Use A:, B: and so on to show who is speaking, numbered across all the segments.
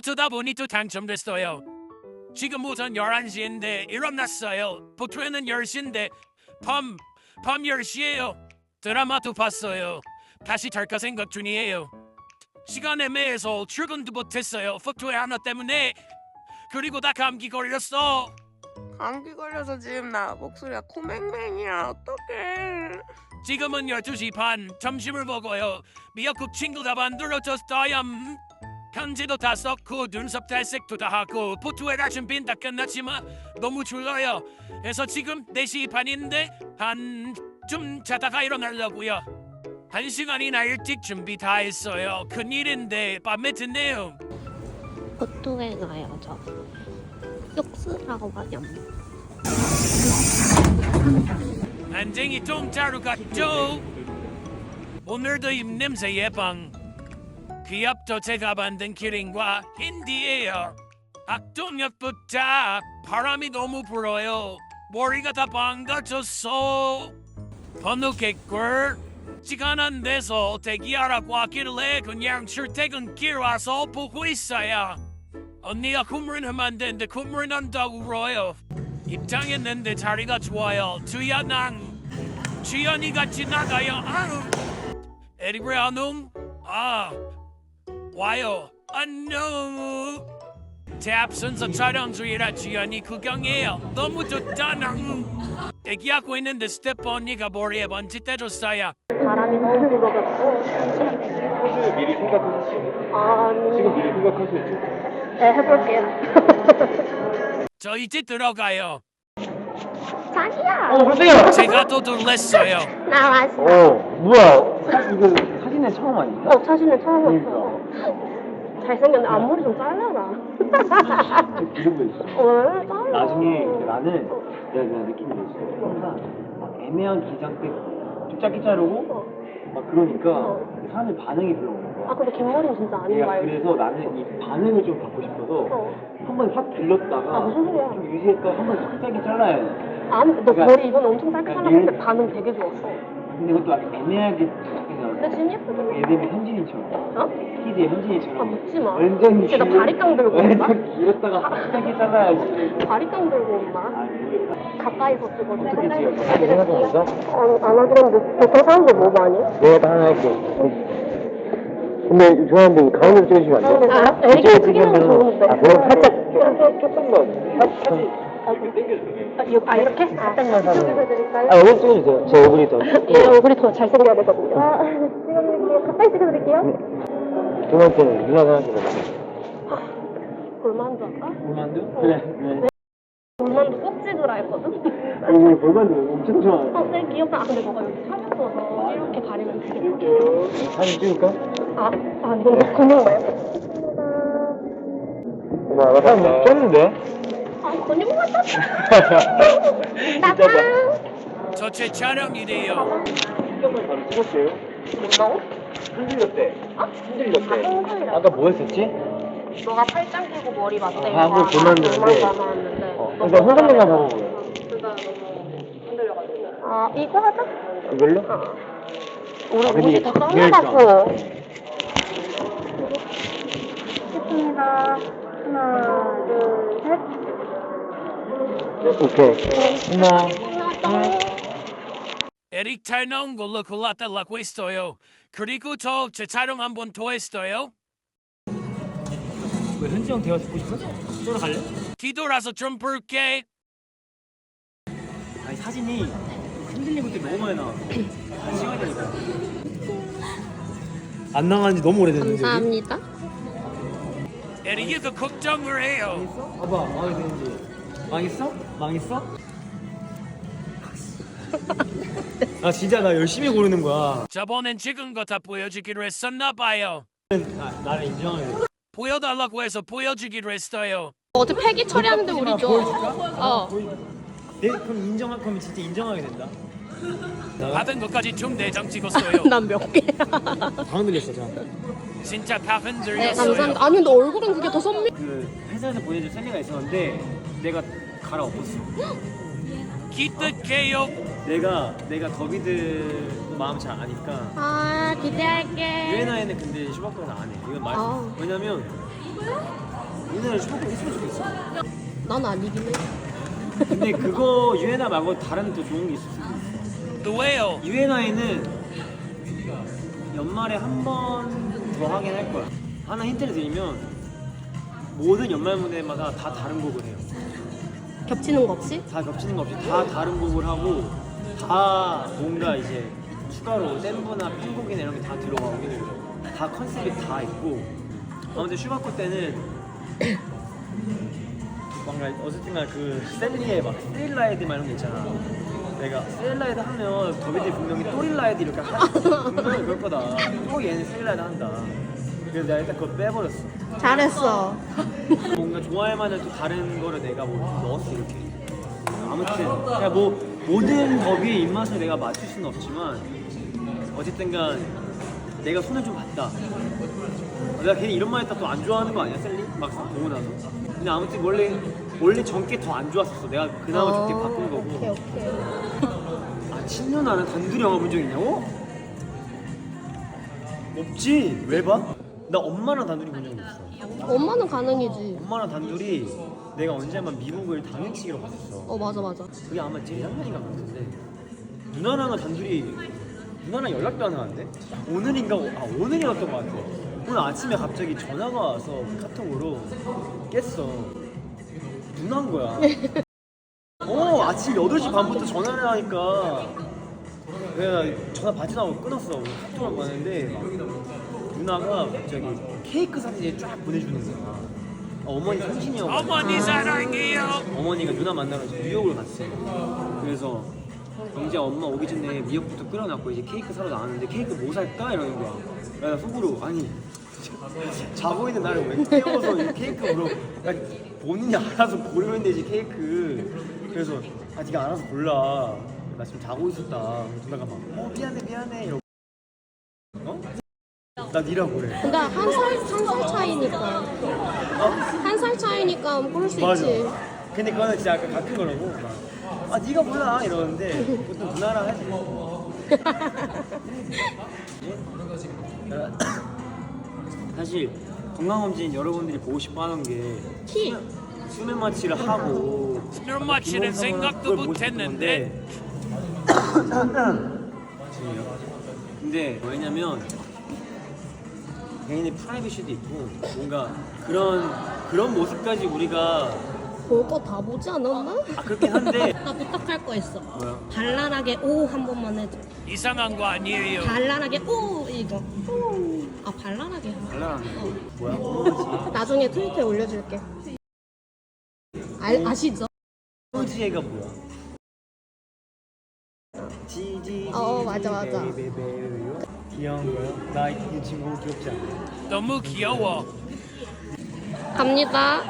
A: 어쩌다 보니 또 당첨됐어요. 지금 오전 11시인데 일어났어요. 보통에는 10시인데 밤 10시에요. 드라마도 봤어요. 다시 잘까 생각 중이에요. 시간 애매해서 출근도 못했어요. 포토에 하나 때문에. 그리고 나 감기 걸렸어.
B: 감기 걸려서 지금 나 목소리가 코맹맹이야. 어떡해.
A: 지금은 12시 반. 점심을 먹어요. 미역국 친구가 만들어줬어요. 편지도 다 썼고 눈썹 탈색도 다 하고 포토에다 준비는 다 끝났지만 너무 졸려요. 그래서 지금 4시 반인데 좀 자다가 일어나려고요. 1시간이나 일찍 준비 다 했어요. 큰일인데 밤에 듣네요.
C: 보통에 가요 저. 육수라고 하냐.
A: 안쟁이 똥자루 같죠? 오늘도 입냄새 예방. 귀엽죠? 제가 만든 기린과 힌디예요. 악동역부터 바람이 너무 불어요. 머리가 다 망가졌어. 번호 개꿀. 시간 안 돼서 대기하라고 하길래 그냥 출퇴근길 와서 보고 있어요. 언니가 콧물 하면 안 되는데 콧물 난다고 울어요. 입장했는데 자리가 좋아요. 주연랑 주연이가 지나가요. 아우. 에리브레 안녕. 아 와요. 안녕. 제 앞선서 촬영 중이라 주연이 구경해요. 너무 좋다. 대기하고 있는데 스태프 언니가 머리에 먼지 떼줬어요.
C: 바람이 너무 불어가지고.
D: 포즈 미리 생각하시죠.
C: 아니.
D: 지금 미리 생각하셔야죠.
C: 네 해볼게요.
A: 저 이제 들어가요.
C: 자기야.
D: 깜짝이야.
A: 제가 또 놀랬어요.
C: 나 왔어.
D: 뭐야? 이거 사진에 처음 아닌가?
C: 사진을 처음 봤어. 잘생겼네. 앞머리 좀 잘라라.
D: 이 정도 있어.
C: 왜 잘라?
D: 나중에 나는 내가 느낀 게 있어. 항상 막 애매한 기장 때 좀 짧게 자르고 막 그러니까 사람들 반응이 별로 없는 거야.
C: 아 근데 긴 머리는 진짜 아닌
D: 내가
C: 거야.
D: 그래서 나는 이 반응을 좀 받고 싶어서 한 번 확 들렀다가
C: 아, 무슨 소리야.
D: 좀 유지했다가 한 번 확 짧게 잘라야 돼.
C: 아니 너
D: 그러니까-
C: 머리 이번에 엄청 짧게
D: 그러니까
C: 잘랐을 때
D: 얘-
C: 반응 되게 좋았어.
D: 근데 그것도 아주 애매하게 짧게
C: 근데
D: 잘라.
C: 지금 예쁘게.
D: 예림이 현진이처럼.
C: 어?
D: 키즈의 현진이처럼.
C: 아 묻지 마.
D: 완전
C: 쟤너 바리깡 들고 온다?
D: 완전 길었다가 확 짧게 잘라야지.
C: 바리깡 들고 온다.
D: 아 모르겠다.
C: 가까이서 찍어줘.
D: 어떻게 찍어? 생각하고 있어?
C: 안 하긴 했는데 보통 사람들 뭐 많이?
D: 내가 다 하나 할게. 근데 죄송한데 가운데로 찍으시면 안 돼요?
C: 아, 애기가 크기는 좋은데.
D: 아 그럼 살짝 조금만 살짝
C: 이렇게?
D: 살짝만 사면
C: 이쪽에서 드릴까요?
D: 아 여기 찍어주세요. 제 얼굴이 더
C: 얘 얼굴이 더 잘생겨야 되거든요. 찍어드릴게요. 가까이 찍어드릴게요.
D: 두 번째는 누나가 하는 거다.
C: 골만두 할까?
D: 볼만두? 그래.
C: 골만두 꼭 찍으라 했거든?
D: 오늘 볼만두 엄청 좋아.
C: 되게 귀엽다. 아, 근데 너가 여기 사진 써서 이렇게 가리면 되게 예뻐.
D: 사진 찍을까?
C: 이건 근육 말고.
D: 나 사진 쪘는데?
C: 근육 같다.
D: 진짜다.
A: 저 제 촬영이래요.
D: 신경을 바로 찍었어요.
C: 뭐라고?
D: 흔들렸대. 흔들렸대.
C: 흔들렸대.
D: 아까 뭐 했었지?
C: 너가 팔짱 끼고 머리 맞대.
D: 아, 그거 골만두인데. 그러니까 흔들리나 봐봐.
C: 이거 하자.
D: 이걸로?
C: 우리
D: 근데
C: 옷이
D: 이게
C: 더
D: 제일
C: 깜깜하고. 찍습니다. 하나, 둘, 셋.
D: 오케이. 하나.
A: 에릭 잘 나온 걸로 골라달라고 했어요. 그리고 저 제 촬영 한 번 더 했어요.
D: 왜 현지 형 대화 듣고 싶어? 저로 갈래?
A: 뒤돌아서 좀 볼게.
D: 아니 사진이 흔들린 것들이 너무 많이 나와. 한 시간이 되니까. 안 나간 지 너무 오래됐는데.
C: 감사합니다.
A: 에릭이 그 걱정을 해요.
D: 봐봐 마음에 드는지. 망했어? 망했어? 아 진짜 나 열심히 고르는 거야.
A: 저번엔 찍은 거 다 보여주기로 했었나 봐요.
D: 나를 인정하게 돼.
A: 보여달라고 해서 보여주기로 했어요.
C: 어제 폐기 처리하는데 우리 줘.
D: 보여줄까? 그럼 그럼 진짜 인정하게 된다.
A: 받은 것까지 중대장 찍었어요.
C: 난 몇 개야.
D: 다 흔들렸어 저.
A: 진짜 다
C: 네,
A: 흔들렸어요.
C: 감사합니다. 아니, 근데 얼굴은 그게 더 선미.
D: 그 회사에서 보내줄 셀리가 있었는데 내가 갈아엎었어.
A: 기특해요.
D: 내가 더비드 마음 잘 아니까
C: 기대할게.
D: 유엔아에는 근데 슈바크는 안 해. 이건 말.
C: 아.
D: 왜냐면 우리나라에 슈퍼컵 있으면 좋겠어.
C: 난 아니긴 해.
D: 근데 그거 유에나 말고 다른 또 좋은 게 있을 수도 있어.
A: 왜요?
D: 유에나에는 연말에 한 번 더 하긴 할 거야. 하나 힌트를 드리면 모든 연말 무대마다 다 다른 곡을 해요.
C: 겹치는 거 없이?
D: 다 겹치는 거 없이 다 다른 곡을 하고 다 뭔가 이제 추가로 댄브나 편곡이나 이런 게 다 들어가고 다 컨셉이 다 있고 아무튼 슈가코 때는 뭔가 어쨌든가 그 셀리의 막 스릴라이드 막 이런 게 있잖아. 내가 스릴라이드 하면 더비들 분명히 또릴라이드 이렇게 분명히 그럴 거다. 또 얘는 스릴라이드 한다. 그래서 내가 일단 그걸 빼버렸어.
C: 잘했어.
D: 뭔가 좋아할 만한 또 다른 거를 내가 뭐 넣었어 이렇게. 아무튼 그냥 뭐 모든 더비의 입맛을 내가 맞출 수는 없지만 어쨌든간 내가 손을 좀 봤다. 내가 괜히 이런 말 했다 또 안 좋아하는 거 아니야 셀리? 막상 보고 나서. 근데 아무튼 원래 전께 더 안 좋았었어. 내가 그나마 좋게 바꾼 거고.
C: 오케이.
D: 아 친누나는 단둘이 영화 본 적 있냐고? 없지. 왜 봐? 나 엄마랑 단둘이 본 적이 없어.
C: 엄마는 가능이지.
D: 엄마랑 단둘이 내가 언제 한번 미국을 당일치기로 갔었어.
C: 맞아.
D: 그게 아마 재작년인가 그랬는데 누나랑은 단둘이 누나랑 연락도 안 하는데 오늘이었던 것 같아. 오늘 아침에 갑자기 전화가 와서 카톡으로 깼어. 누나인 거야. 아침 8시 반부터 전화를 하니까 내가 전화 받지도 않고 끊었어. 카톡을 보냈는데 누나가 갑자기 케이크 사진을 쫙 보내주는 거야. 어머니 생신이었고
A: 어머니 사랑해요.
D: 어머니가 누나 만나러 이제 뉴욕을 갔어요. 그래서 이제 엄마 오기 전에 미역부터 끓여놨고 이제 케이크 사러 나왔는데 케이크 뭐 살까? 이러는 거야. 나 속으로 아니 자고 있는 나를 왜 깨워서 이 케이크 물어. 본인이 알아서 고르면 되지 케이크. 그래서 네가 알아서 골라. 나 지금 자고 있었다. 누나가 막 미안해 이러고 나 니라고 그래.
C: 근데 한 살 차이니까. 한 살 차이니까 그럴 수
D: 맞아.
C: 있지.
D: 근데 그거는 진짜 약간 같은 거라고. 네가 몰라 이러는데 보통 누나랑 하지. 사실 건강검진 여러분들이 보고 싶어하는 게
C: 키.
D: 수면 마취를 하고
A: 수면 마취는 생각도 못했는데.
D: 근데 왜냐면 개인의 프라이버시도 있고 뭔가 그런 모습까지 우리가
C: 볼 거 다 보지 않았나?
D: 그렇긴 한데
C: 나 부탁할 거 있어.
D: 뭐야?
C: 발랄하게 오 한 번만 해줘.
A: 이상한 거 아니에요.
C: 발랄하게 오 이거. 오. 발랄하게.
D: 발랄한 거 뭐야? 뭐지?
C: 나중에 트위터에 올려줄게. 아시죠?
D: 호지애가 뭐야?
C: 맞아.
D: 귀여운 거요? 나 이 친구 귀엽지 않아?
A: 너무 귀여워.
C: 갑니다.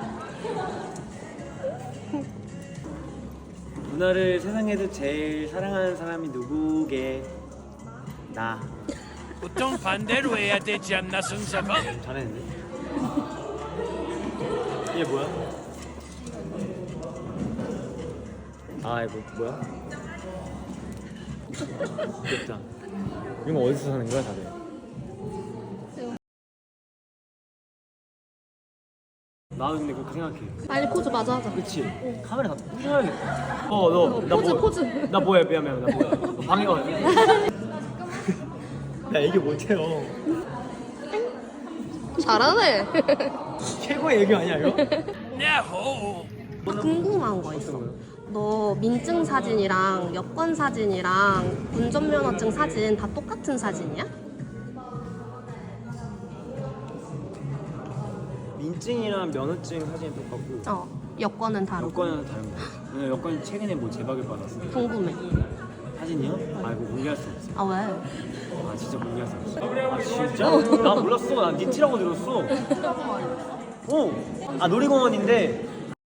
D: 누나를 세상에서 제일 사랑하는 사람이 누구게? 나.
A: 보통 반대로 해야 되지 않나 순서가?
D: 잘했는데? 얘 뭐야? 이거 뭐야? 귀엽다. 이거 어디서 사는 거야 다들? 나도 근데 그거 생각해.
C: 빨리 포즈 마저 하자.
D: 그치? 카메라 다 부셔야겠다. 나
C: 포즈.
D: 나 뭐야 미안 나 뭐야? 방해 와. 야 이게 못해요.
C: 잘하네.
D: 최고의 애교 아니야 이거?
A: 야호.
C: 궁금한 거 있어. 너 민증 사진이랑 여권 사진이랑 운전면허증 사진 다 똑같은 사진이야?
D: 민증이랑 면허증 사진이 똑같고
C: 여권은 다르고.
D: 여권은 다른 거야. 왜냐면 여권 최근에 뭐 제박을 받았어.
C: 궁금해.
D: 사진이요? 이거 공개할 수 없어.
C: 왜?
D: 진짜 공개할 수 없어. 진짜? 나 몰랐어. 난 니티라고 들었어. 놀이공원인데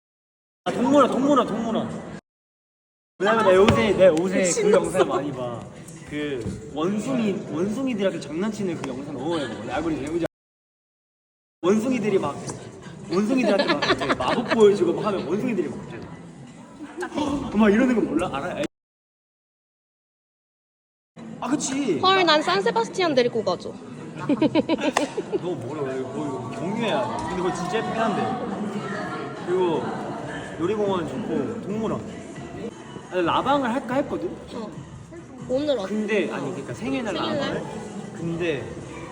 D: 동문화. 왜냐면 내 요새 그 영상을 많이 봐. 그 원숭이들하고 장난치는 그 영상 너무 많이 봐. 알고리즘 원숭이들이 원숭이들한테 막 이제 마법 보여주고 막 하면 원숭이들이 막 이러는 거 몰라? 알아? 그치.
C: 헐, 난 산세바스티안 데리고 가줘.
D: 너 뭐래? 이거 경유해야 돼. 근데 그거 진짜 예쁘긴 한데. 그리고 놀이공원 좋고 동물원. 아니, 라방을 할까 했거든.
C: 오늘
D: 근데 아니 그러니까 생일날
C: 생일날?
D: 라방을. 근데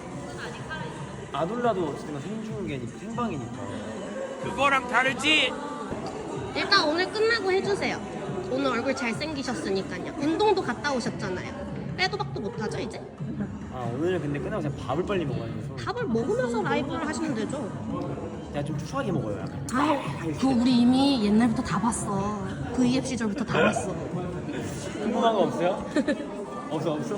D: 아돌라도 어쨌든 생중계니까 생방이니까.
A: 그거랑 다르지.
C: 일단 오늘 끝나고 해주세요. 오늘 얼굴 잘생기셨으니까요. 운동도 갔다 오셨잖아요. 빼도 박도 못하죠 이제?
D: 아 오늘은 근데 끝나고 그냥 밥을 빨리 먹어야 돼서.
C: 밥을 먹으면서 라이브를 하시면 되죠.
D: 내가 좀 추하게 먹어요. 약간.
C: 그거 우리 이미 옛날부터 다 봤어. V앱 시절부터 다 봤어.
D: 궁금한 거 없어요? 없어?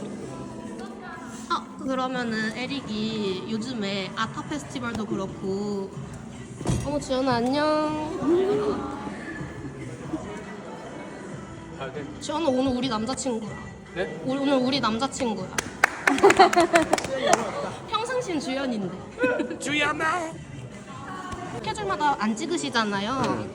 C: 그러면은 에릭이 요즘에 아타 페스티벌도 그렇고. 어머 지연아 안녕. 지연아 오늘 우리 남자친구야.
D: 네?
C: 오늘 우리 남자친구야. 평상시엔 주연인데.
A: 주연아.
C: 스케줄마다 안 찍으시잖아요.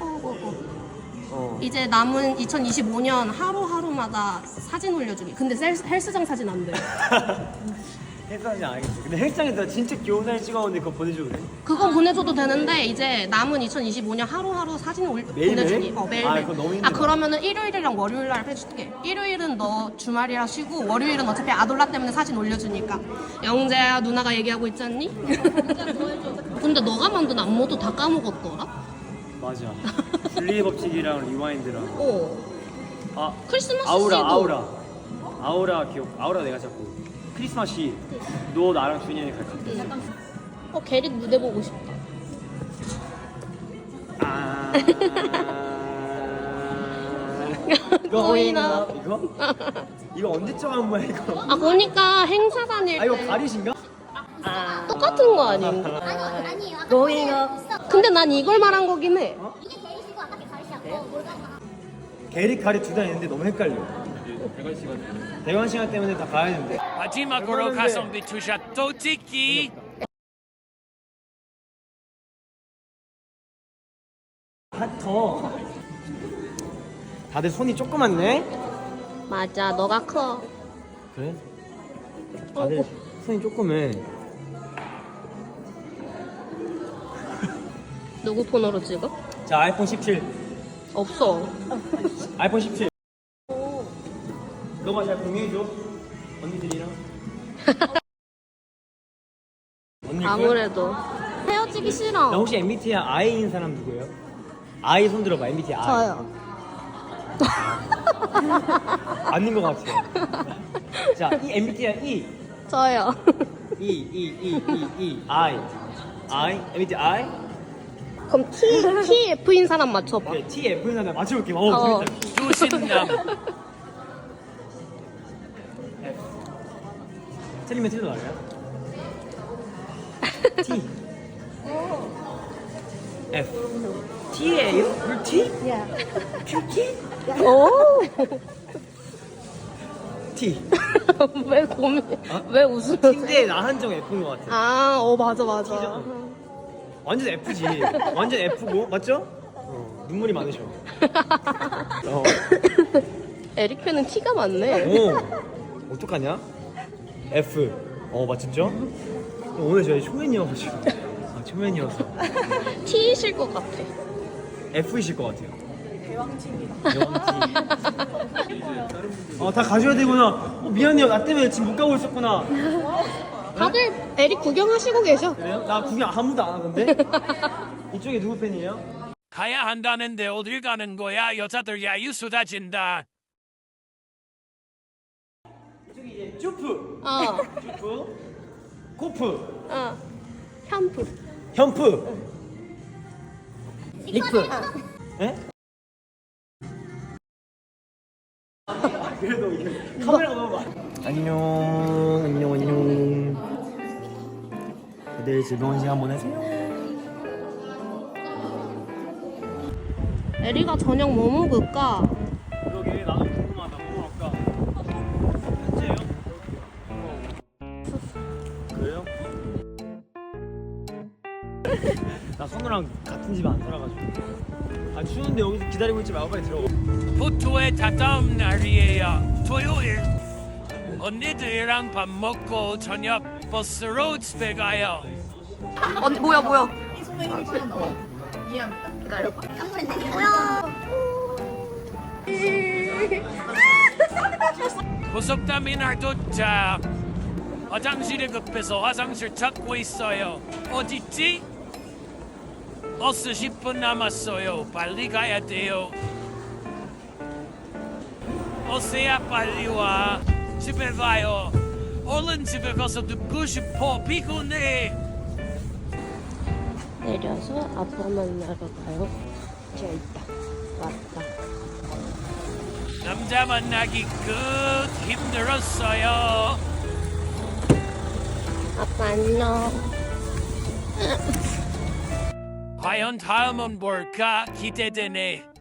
C: 이제 남은 2025년 하루하루마다 사진 올려주기. 근데 헬스장 사진 안 돼.
D: 헬스장이 알겠어. 근데 헬스장에서 진짜 귀여운 사진 찍어오는데 그거 보내줘도 돼?
C: 그거 보내줘도 되는데 이제 남은 2025년 하루하루 사진
D: 매일매일?
C: 보내주기. 매일매일.
D: 아, 그건 너무 힘들어.
C: 그러면은 일요일이랑 월요일날 해줄게. 일요일은 너 주말이라 쉬고 월요일은 어차피 아돌라 때문에 사진 올려주니까. 영재야 누나가 얘기하고 있잖니? 근데 너가 만든 안무도 다 까먹었더라?
D: 맞아. 분리의 법칙이랑 리와인드랑. 아
C: 크리스마스
D: 아우라 기억. 아우라 내가 잡고. 크리스마스 너 나랑 준현이 갈 같아.
C: 게릭 무대 보고 싶다.
D: Going up 이거 언제쯤 한 거야 이거?
C: 그러니까 행사 다닐 때
D: 이거 가리신가?
C: 똑같은 거 아닌가?
E: 아니에요. 아까
C: Going up. 근데 난 이걸 말한 거긴 해.
E: 이게 게이시고 아까 게 가리시고
D: 게릭 가리 두 단 있는데 너무 헷갈려. 대관 시간 때문에 다 가야 되는데.
A: 마지막으로 가성비 투샷 또 찍기.
D: 더. 다들 손이 조그맣네.
C: 맞아, 너가 커.
D: 그래? 다들 손이 조그매.
C: 누구 폰으로 찍어?
D: 자 아이폰 17.
C: 없어.
D: 아이폰 17. 너가 잘 공유해줘. 언니들이랑. 언니
C: 아무래도 헤어지기
D: 나
C: 싫어.
D: 혹시 MBTI I인 사람 누구예요? I 손 들어봐. MBTI I.
C: 저요.
D: 아닌 것 같아요. 자, 이 MBTI E.
C: 저요.
D: I. MBTI
C: 그럼 TF인 사람 맞춰봐.
D: 네, TF는 하나 맞춰볼게.
C: 어.
D: 재밌다.
A: 두신남.
D: 틀리면 틀려 나가요? T. F. T예요? 물 T? 큐티?
C: 오.
D: T.
C: 왜 고민? 왜 웃으세요?
D: T인데 나 한정 F인 것 같아.
C: 맞아.
D: 완전 F지. 완전 F고 맞죠? 눈물이 많으셔.
C: 에릭 팬은 T가 많네.
D: 어떡하냐? F. 맞췄죠? 오늘 저희 초면이어가지고. 초면이어서.
C: T이실 것 같아.
D: F이실 것 같아요. 다 가져야 되구나. 미안해요. 나 때문에 지금 못 가고 있었구나.
C: 다들 에릭 구경하시고 계셔.
D: 그래요? 나 구경 아무도 안 하던데? 이쪽에 누구 팬이에요?
A: 가야 한다는데 어딜 가는 거야? 여자들 야유 쏟아진다.
D: 이쪽이 이제 쭈프, 쭈프, 코프,
C: 현프.
D: 현프, 리프. 에? 그래도 이게 카메라가 너무 많아. 안녕. 다들 즐거운 시간 보내세요.
C: 에리가 저녁 뭐 먹을까?
D: 그러게 나도 궁금하다. 뭐 먹을까? 현재요? 그래요? 나 선우랑 같은 집 안 살아가지고. 추운데 여기서 기다리고 있지 말고 빨리 들어가.
A: 보토의 다다음 날이에요. 토요일. 언니들이랑 밥 먹고 저녁 버스로 집에 가요.
B: 언니 뭐야?
A: 고속터미널 도착. 화장실에 급해서 화장실 찾고 있어요. 어딨지? 버스 10분 남았어요. 빨리 가야 돼요. 버스야 빨리 와. 집에 가요. 얼른 집에 가서 눕고 싶어. 피곤해.
C: 내려서 아빠 만나러 가요. 저 있다. 왔다.
A: 남자 만나기 끝. 힘들었어요.
C: 아빠 안녕.
A: 과연 다음은 뭘까? 기대되네.